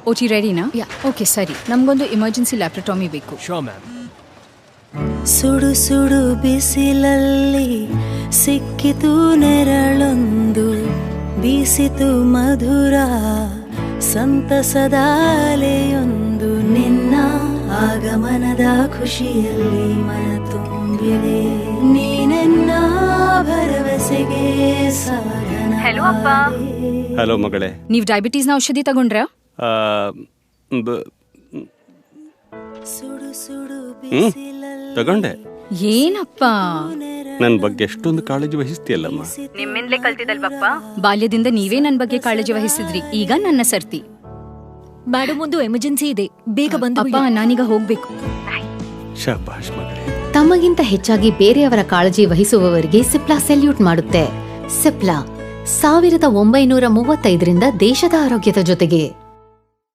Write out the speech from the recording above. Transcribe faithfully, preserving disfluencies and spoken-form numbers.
OT ರೆಡಿನಾ? ಯಾ okay ಸರಿ. ನಮಗೊಂದು ಎಮರ್ಜೆನ್ಸಿ ಲ್ಯಾಪ್ರಟಾಮಿ ಬೇಕು. Sure ma'am. ಸುಡು ಸುಡು ಬಿಸಿಲಲ್ಲಿ ಸಿಕ್ಕಿತು ನೆರಳೊಂದು, ಬೀಸಿತು ಮಧುರ ಸಂತಸದ ಅಲೆಯೊಂದು, ನಿನ್ನ ಆಗಮನದ ಖುಷಿಯಲ್ಲಿ ಮನ ತುಂಬಿದೆ, ನೀನೆನ್ನ ಭರವಸೆಗೆ ಸಾಧನ. ಹಲೋ ಅಪ್ಪ. ಹಲೋ ಮಗಳೇ. ನೀವು ಡಯಾಬಿಟೀಸ್ನ ಔಷಧಿ ತಗೊಂಡ್ರಾ? ಸುಡು ಸುಡು ಹ್ಮ್ ತಗೊಂಡೆ. ಏನಪ್ಪ ನನ್ನ ಬಗ್ಗೆ ಎಷ್ಟೊಂದು ಕಾಳಜಿ ವಹಿಸ್ತೀಯಲ್ಲಮ್ಮ. ನಿಮ್ಮಿಂದಲೇ ಕಲ್ತಿದಲ್ವಪ್ಪ. ಬಾಲ್ಯದಿಂದ ನೀವೇ ನನ್ನ ಬಗ್ಗೆ ಕಾಳಜಿ ವಹಿಸಿದ್ರಿ, ಈಗ ನನ್ನ ಸರ್ತಿ. ಮೇಡಮ್, ಒಂದು ಎಮರ್ಜೆನ್ಸಿ ಇದೆ, ಬೇಗ ಬಂದು. ಅಪ್ಪ ನಾನೀಗ ಹೋಗ್ಬೇಕು. ಶಭಾಷ್ ಮಗಳೇ. ತಮಗಿಂತ ಹೆಚ್ಚಾಗಿ ಬೇರೆಯವರ ಕಾಳಜಿ ವಹಿಸುವವರಿಗೆ ಸಿಪ್ಲಾ ಸೆಲ್ಯೂಟ್ ಮಾಡುತ್ತೆ. ಸಿಪ್ಲಾ ಸಾವಿರದ ಒಂಬೈನೂರ ಮೂವತ್ತೈದರಿಂದ ದೇಶದ ಆರೋಗ್ಯದ ಜೊತೆಗೆ.